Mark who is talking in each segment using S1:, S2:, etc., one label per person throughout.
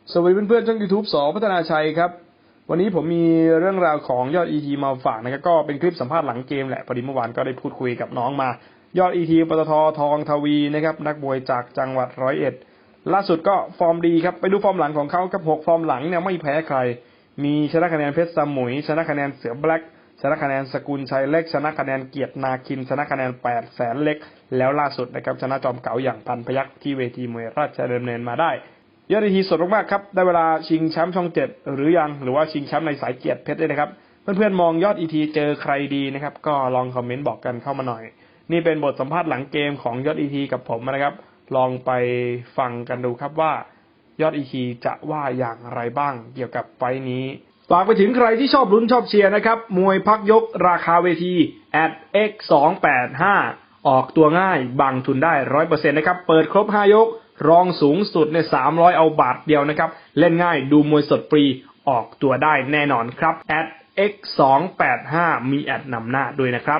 S1: สวัสดีเพื่อนๆช่อง YouTube ส.พัฒนาชัยครับวันนี้ผมมีเรื่องราวของยอด ET มาฝากนะครับก็เป็นคลิปสัมภาษณ์หลังเกมแหละพอดีเมื่อวานก็ได้พูดคุยกับน้องมายอด ET ปตท.ทองทวีนะครับนักมวยจากจังหวัด101ล่าสุดก็ฟอร์มดีครับไปดูฟอร์มหลังของเขากับ6ฟอร์มหลังเนี่ยไม่แพ้ใครมีชนะคะแนนเพชรสมุยชนะคะแนนเสือแบล็กชนะคะแนนสกุลชัยเล็กชนะคะแนนเกียรตินาคินชนะคะแนน8แสนเล็กแล้วล่าสุดนะครับชนะจอมเก๋าอย่างพันพยัคฆ์ที่เวทีมวยราชดำเนินมาได้ยอด ET สดมากๆครับได้เวลาชิงแชมป์ช่อง7หรือยังหรือว่าชิงแชมป์ในสายเกียรติเพชรด้วยนะครับเพื่อนๆมองยอด ET เจอใครดีนะครับก็ลองคอมเมนต์บอกกันเข้ามาหน่อยนี่เป็นบทสัมภาษณ์หลังเกมของยอด ET กับผมนะครับลองไปฟังกันดูครับว่ายอด ET จะว่าอย่างไรบ้างเกี่ยวกับไฟท์นี้ฝากไปถึงใครที่ชอบลุ้นชอบเชียร์นะครับมวยพักยกราคาเวที @x285 ออกตัวง่ายบังทุนได้ 100% นะครับเปิดครบ5ยกรองสูงสุดใน300เอาบาทเดียวนะครับเล่นง่ายดูมวยสดฟรีออกตัวได้แน่นอนครับ @x285 มีแอดนำหน้าด้วยนะครับ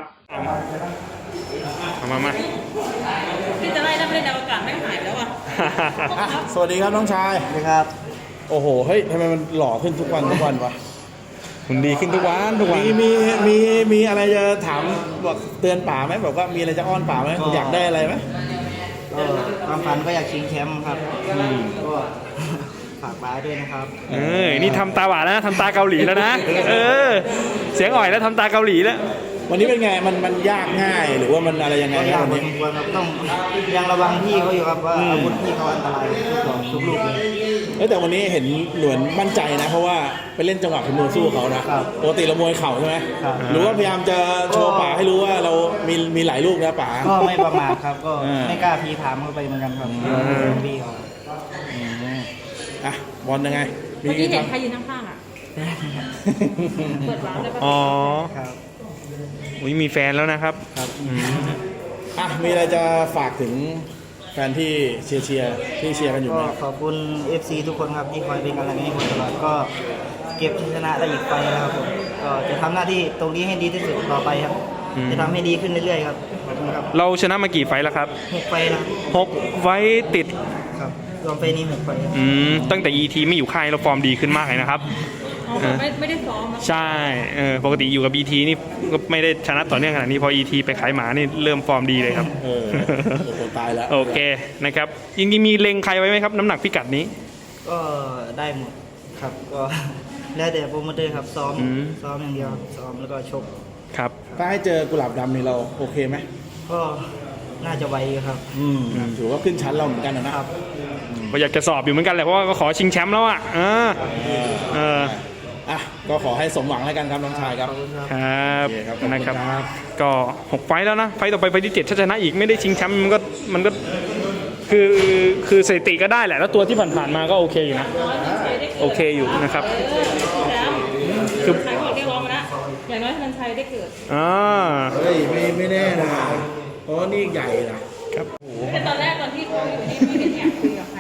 S1: มา
S2: ที่จะไล่นักเล่นอวกาศไม่หายแล้วอ่ะ
S3: สวัสดีครับน้องชาย
S4: สวัสดีครับ
S3: โอ้โห เฮ้ยทำไมมันหล่อขึ้นทุกวันวะ
S1: คุณดีขึ้นทุกวัน
S3: มีอะไรจะถามบอกเตือนป๋าไหมบอกว่ามีอะไรจะอ้อนป๋าไหมอยากได้อะไรไหม
S4: ก็ความฝันก็อยากชิงแชมป์ครับก็ฝากป้าด้วยนะครับ
S1: นี่ทำตาหวานแล้วทำตาเกาหลีแล้วนะเสียงอ่อยแล้วทำตาเกาหลีแล้ว
S3: วันนี้เป็นไงมันยากง่ายหรือว่ามันอะไรยังไง
S4: ก็ยากพอ
S3: วัน
S4: ส
S3: นี้
S4: มควรครับต้องยังระวังพี่เขาอยู่ครับว่าอาวุธพี่เขาอันตรายทุกลูกเลย
S3: แต่วันนี้เห็นหลวนมั่นใจนะเพราะว่าไปเล่นจังหวะฝีมือสู้เขานะปกติเรามวยเข่าใช่ไหมหรือว่าพยายามจะโชว์ป๋าให้รู้ว่าเรามีหลายลูกนะป๋า
S4: ก็ไม่ประมาทครับก็ไม่กล้าพีถามเข้าไปเหมือนกันครับพี่เขา
S3: อ่ะบอลยังไง
S2: เมื่อกี้เห็นใครยืนข้างๆอ่ะเปิดร้านแล้วก็
S4: ครับ
S1: มีแฟนแล้วนะครับ
S3: อ่ะมีอะไรจะฝากถึงแฟนที่เชียร์ที่เชียร์กันอยู่ไหม
S4: ขอบคุณ FC ทุกคนครับที่คอยเป็นกำลังใจให้ผมตลอดก็เก็บชนะได้อีกไฟแล้วครับผมก็จะทำหน้าที่ตรงนี้ให้ดีที่สุดต่อไปครับจะทำให้ดีขึ้นเรื่อยๆครับขอบคุณครับ
S1: เราชนะมากี่ไฟแล้วครับ
S4: 6 ไฟแล้ว
S1: 6 ไฟติด
S4: ครับรวมไฟนี้6 ไฟ
S1: ตั้งแต่ ET ไม่อยู่ค่ายเราฟอร์มดีขึ้นมากเลยนะครับ
S2: ไม่ได้ซ้อม
S1: ใช่ปกติอยู่กับ ET นี่ก็ไม่ได้ชนะต่อเนื่องขนาดนี้พอ ET ไปขายหมานี่เริ่มฟอร์มดีเลยครับ
S3: โอ้โหตายแล้ว
S1: โอเคนะครับจริงๆมีเล็งใครไว้ไหมครับน้ำหนักพิกัดนี้
S4: ก็ได้หมดครับก็แล้วแต่โปรโมเตอร์ครับซ้อมอย่างเดียวซ้อมแล้วก็ชก
S1: ครับ
S3: ถ้าให้เจอกุหลาบดำนี่เราโอเคไหม
S4: ก็น่าจะไวครับ
S3: ถือว่าขึ้นชั้นเราเหมือนกันนะครับ
S1: ก็อยากจะสอบอยู่เหมือนกันแหละเพราะว่าก็ขอชิงแชมป์แล้วอ่ะ
S3: ก็ขอให้สมหวังแล้วกันครับน้องชายครับ
S1: ครับนะครับก็6 ไฟล์แล้วนะไฟล์ต่อไปไฟล์ที่7ถ้าชนะอีกไม่ได้ชิงแชมป์มันก็คือสถิติก็ได้แหละแล้วตัวที่ผ่านๆมาก็โอเคอยู่นะโอเคอยู่นะครับ
S2: คือใครบอกเรียกร้องมาแล้วอย่างน้อยมันชัยได้เกิด
S3: เฮ้ยไม่แน่นะเพราะนี่ใหญ่นะครับ
S2: แต่ตอนแรกตอนที่เขาอยู่นี่ไม่เห็นอยากคุยกับใคร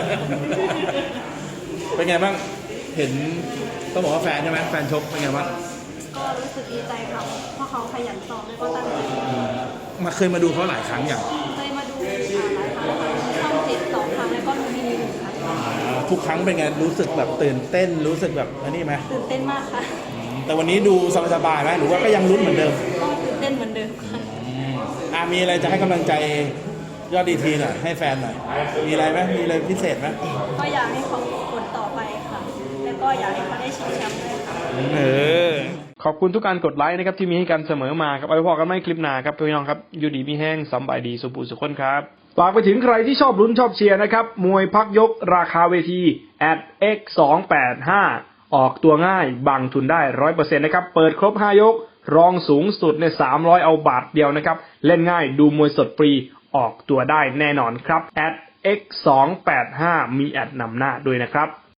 S3: เป็นไงบ้างเห็นต้องบอกว่าแฟนใช่ไหมแฟนชกเป็นไงบ้าง
S5: ก็รู้สึกดีใจครับเพราะเขาขยันซ้อมแล้วก็ตั้งใจ
S3: เคยมาดูเขาหลายครั้งอย่าง
S5: เคยมาดูหลายครั้งช่อง7 2 ครั้งแล้วก็ดูที่นี่1 ครั้ง
S3: ทุกครั้งเป็นไงรู้สึกแบบตื่นเต้นรู้สึกแบบนี่ไหม
S5: ตื่นเต้นมากค่ะ
S3: แต่วันนี้ดูสบายๆไหมหรือว่าก็ยังลุ้นเหมือนเดิม
S5: ตื่นเต้นเหมือนเดิม
S3: ค่ะมีอะไรจะให้กำลังใจยอด ETหน่อยให้แฟนหน่อยมีอะไรไหมมีอะไรพิเศษไหม
S5: ก็อยากให้เขากดต่อไปค่ะแล้วก็อยากให้เขาได้ชิงแชมป์ด้วย
S1: ค่ะขอบคุณทุกการกดไลค์นะครับที่มีให้กันเสมอมาครับเอาไว้พอกันไม่คลิปหน้าครับพี่น้องครับอยู่ดีมีแห้งสบายดีสุขสุขคนครับฝากไปถึงใครที่ชอบลุ้นชอบเชียร์นะครับมวยพักยกราคาเวที @x285 ออกตัวง่ายบังทุนได้ 100% นะครับเปิดครบ5ยกรองสูงสุดใน300เอาบาทเดียวนะครับเล่นง่ายดูมวยสดฟรีออกตัวได้แน่นอนครับ @x285 มีแอดนำหน้าด้วยนะครับ